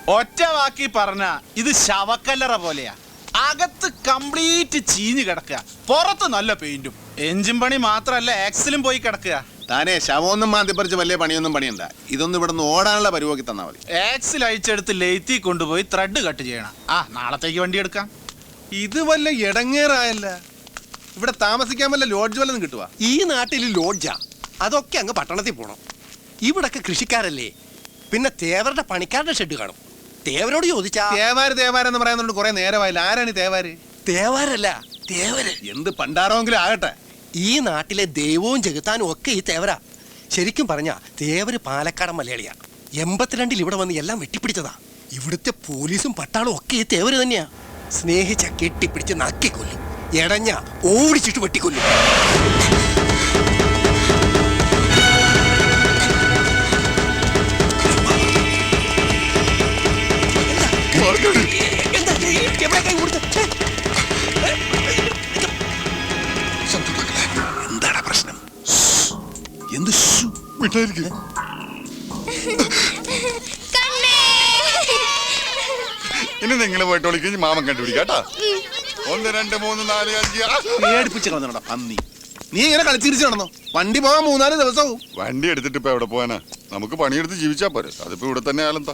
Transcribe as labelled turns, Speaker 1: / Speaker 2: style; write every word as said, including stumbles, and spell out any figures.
Speaker 1: ഒറ്റ വാക്കി പറഞ്ഞ ഇത് ശവക്കല്ലറ പോലെയാ. അകത്ത് കംപ്ലീറ്റ് ചീഞ്ഞ് കിടക്കുക, പുറത്ത് നല്ല പെയിന്റും. എഞ്ചിൻ പണി മാത്രല്ല ആക്സിലും പോയി കിടക്കുക.
Speaker 2: താനേ ശവമൊന്നും മാന്തിപ്പറിച്ച് വലിയ പണിയൊന്നും പണിയണ്ട. ഇതൊന്നും ഇവിടെ നിന്ന് ഓടാനുള്ള പരിപാടി തന്നാ മതി.
Speaker 1: ആക്സിൽ അഴിച്ചെടുത്ത് ലെയ്ത്തി കൊണ്ടുപോയി ത്രെഡ് കട്ട് ചെയ്യണം. ആ നാളത്തേക്ക് വണ്ടി എടുക്കാം.
Speaker 2: ഇത് വല്ല ഇടങ്ങേറായല്ല. ഇവിടെ താമസിക്കാൻ വല്ല ലോഡ്ജ് വല്ലതും കിട്ടുക?
Speaker 3: ഈ നാട്ടിൽ ലോഡ്ജാ, അതൊക്കെ അങ്ങ് പട്ടണത്തിൽ പോണം. ഇവിടൊക്കെ കൃഷിക്കാരല്ലേ, പിന്നെ തേവരുടെ പണിക്കാരുടെ ഷെഡ് കാണും. തേവരോട് ചോദിച്ചാ
Speaker 2: തേവാര് തേവാരെന്ന് പറയുന്നുണ്ട് കുറെ നേരമായില്ല. ആരാണ് തേവാര്?
Speaker 3: തേവാരല്ല തേവര്.
Speaker 2: എന്ത് പണ്ടാറോങ്കിലും ആകട്ടെ,
Speaker 3: ഈ നാട്ടിലെ ദൈവവും ജഗത്താനും ഒക്കെ ഈ തേവരാ. ശരിക്കും പറഞ്ഞാ തേവര് പാലക്കാടൻ മലയാളിയാ. എൺപത്തിരണ്ടിൽ ഇവിടെ വന്ന് എല്ലാം വെട്ടിപ്പിടിച്ചതാ. ഇവിടുത്തെ പോലീസും പട്ടാളും ഒക്കെ ഈ തേവര് തന്നെയാ. സ്നേഹിച്ച കെട്ടിപ്പിടിച്ച് നക്കിക്കൊല്ലും, എടഞ്ഞ ഓടിച്ചിട്ട് വെട്ടിക്കൊല്ലും.
Speaker 2: എന്താണ് പ്രശ്നം? എന്ത്
Speaker 4: ഇനി നിങ്ങൾ പോയിട്ട് വിളിക്കും, മാമൻ കണ്ടുപിടിക്കാട്ടാ. ഒന്ന് രണ്ട് മൂന്ന് നാല് അഞ്ച്.
Speaker 2: പേടിപ്പിച്ച് കളഞ്ഞോടാ പന്നി. നീ ഇങ്ങനെ കളിച്ചിരിച്ചു നടന്നോ? വണ്ടി പോകാൻ മൂന്നാല് ദിവസവും.
Speaker 4: വണ്ടി എടുത്തിട്ട് ഇപ്പൊ എവിടെ പോവാനാ? നമുക്ക് പണിയെടുത്ത് ജീവിച്ചാ പോരെ. അതിപ്പോ ഇവിടെ തന്നെ ആയാലും